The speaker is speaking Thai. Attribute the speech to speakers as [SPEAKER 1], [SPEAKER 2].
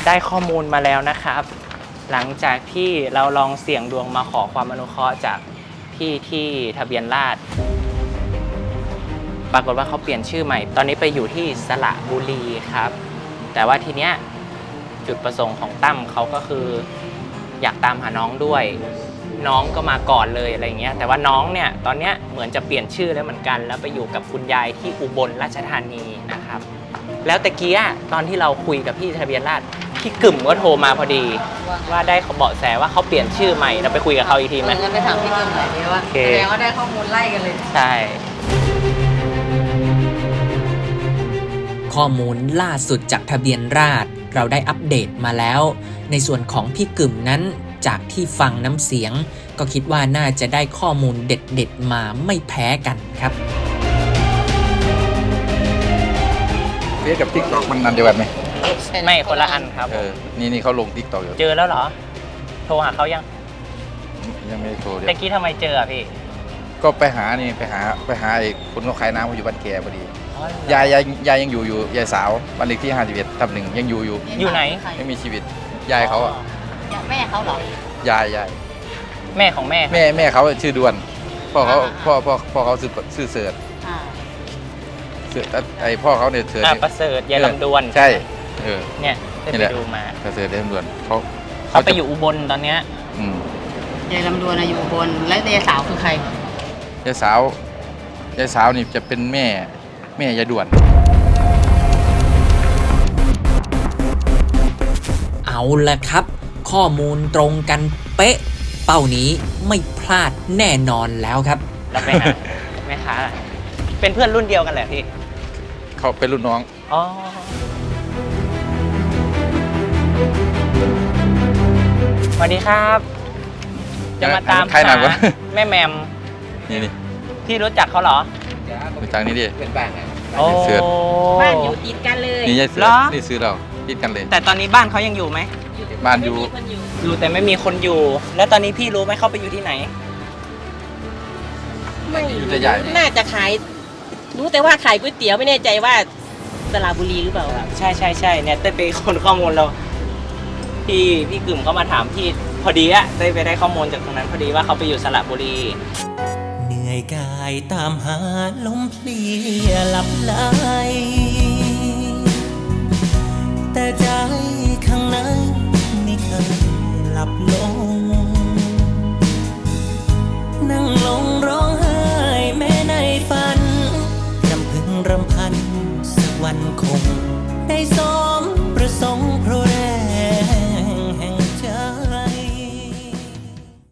[SPEAKER 1] ได้ข้อมูลมาแล้วนะครับหลังจากที่เราลองเสี่ยงดวงมาขอความอนุเคราะห์จากพี่ที่ทะเบียนราษฎร์ปรากฏว่าเขาเปลี่ยนชื่อใหม่ตอนนี้ไปอยู่ที่สระบุรีครับแต่ว่าทีเนี้ยจุดประสงค์ของตั้มเขาก็คืออยากตามหาน้องด้วยน้องก็มาก่อนเลยอะไรเงี้ยแต่ว่าน้องเนี่ยตอนเนี้ยเหมือนจะเปลี่ยนชื่อแล้วเหมือนกันแล้วไปอยู่กับคุณยายที่อุบลราชธานีนะครับแล้วตะกี้ตอนที่เราคุยกับพี่ทะเบียนราษฎร์พี่กึ่มก็โทรมาพอดีว่าได้เบาะแสว่าเขาเปลี่ยนชื่อใหม่เราไปคุยกับเขาอีกทีไหม
[SPEAKER 2] งั้นไปถามพี่กึ่มหน่อยดีว่าแสดงว่าได้ข้อมูลไล่กันเลย
[SPEAKER 1] ใช่
[SPEAKER 3] ข้อมูลล่าสุดจากทะเบียนราษฎร์เราได้อัปเดตมาแล้วในส่วนของพี่กึ่มนั้นจากที่ฟังน้ำเสียงก็คิดว่าน่าจะได้ข้อมูลเด็ดๆมาไม่แพ้กันครับ
[SPEAKER 4] เฟซกับ TikTok มันอันเดียวกันไหม
[SPEAKER 1] ไม่คนละอันครับ
[SPEAKER 4] นี่เขาลง TikTok อยู่
[SPEAKER 1] เจอแล้วเหรอโทรหาเขายัง
[SPEAKER 4] ไม่ได้โทร
[SPEAKER 1] ตะกี้ทำไมเจอพี่
[SPEAKER 4] ก็ไปหาไอ้คนเขาขายน้ำเขาอยู่บ้านแกพอดียายยังอยู่ยายสาวบ้านเลขที่51ยังอยู่
[SPEAKER 1] ไหน
[SPEAKER 4] ไม่มีชีวิตยายเขา
[SPEAKER 2] แม่เขาเหร
[SPEAKER 4] อยาย
[SPEAKER 1] แม่ของแ
[SPEAKER 4] ม่เขาชื่อดวนพ่อเขาชื่อเสิร์ชไอพ่อเขาเนี่ยเสิร์ช
[SPEAKER 1] ประเสริฐยายลำดวน
[SPEAKER 4] ใช่
[SPEAKER 1] เนี่ยได้ไปดูมา
[SPEAKER 4] ประเสริฐยายลำดวน
[SPEAKER 1] เขาไปอยู่อุบลตอนเนี้ย
[SPEAKER 2] ยายลำดวนอยู่อุบลแล้วยายสาวคือใคร
[SPEAKER 4] ยายสาวนี่จะเป็นแม่ยายด่วน
[SPEAKER 3] เอาละครับข้อมูลตรงกันเป๊ะเป้านี้ไม่พลาดแน่นอนแล้วครับ
[SPEAKER 1] เราไปหาแม่ค้าเป็นเพื่อนรุ่นเดียวกันแหละพี่
[SPEAKER 4] เขาเป็นรุ่นน้อง
[SPEAKER 1] อ๋อสวัสดีครับจะมาตามหาแม่แมม
[SPEAKER 4] นี่
[SPEAKER 1] พี่รู้จักเขาเหรอ
[SPEAKER 4] รู้จักนี่ดิ
[SPEAKER 1] เป็นบ้าน
[SPEAKER 2] โอ้บ้านอยู่ติดกันเลย
[SPEAKER 4] นี่ยายเสือนี่ซื้อเราติดกันเลย
[SPEAKER 1] แต่ตอนนี้บ้านเขายังอยู่ไหม
[SPEAKER 4] บ้านอยู่
[SPEAKER 1] แต่ไม่มีคนอยู่แล้วตอนนี้พี่รู้ไหมเขาไปอยู่ที่ไหน
[SPEAKER 2] ไม่น่าจะขายรู้แต่ว่าขายก๋วยเตี๋ยวไม่แน่ใจว่าสระบุรีหรือเปล่า
[SPEAKER 1] ใช่เนี่ยเต้ไปคนข้อมูลเราพี่กึ่มเขามาถามพี่พอดีเต้ไปได้ข้อมูลจากตรงนั้นพอดีว่าเขาไปอยู่สระบุรี
[SPEAKER 3] เหนื่อยกายตามหาลมเพลียหลับไหลแต่ใจ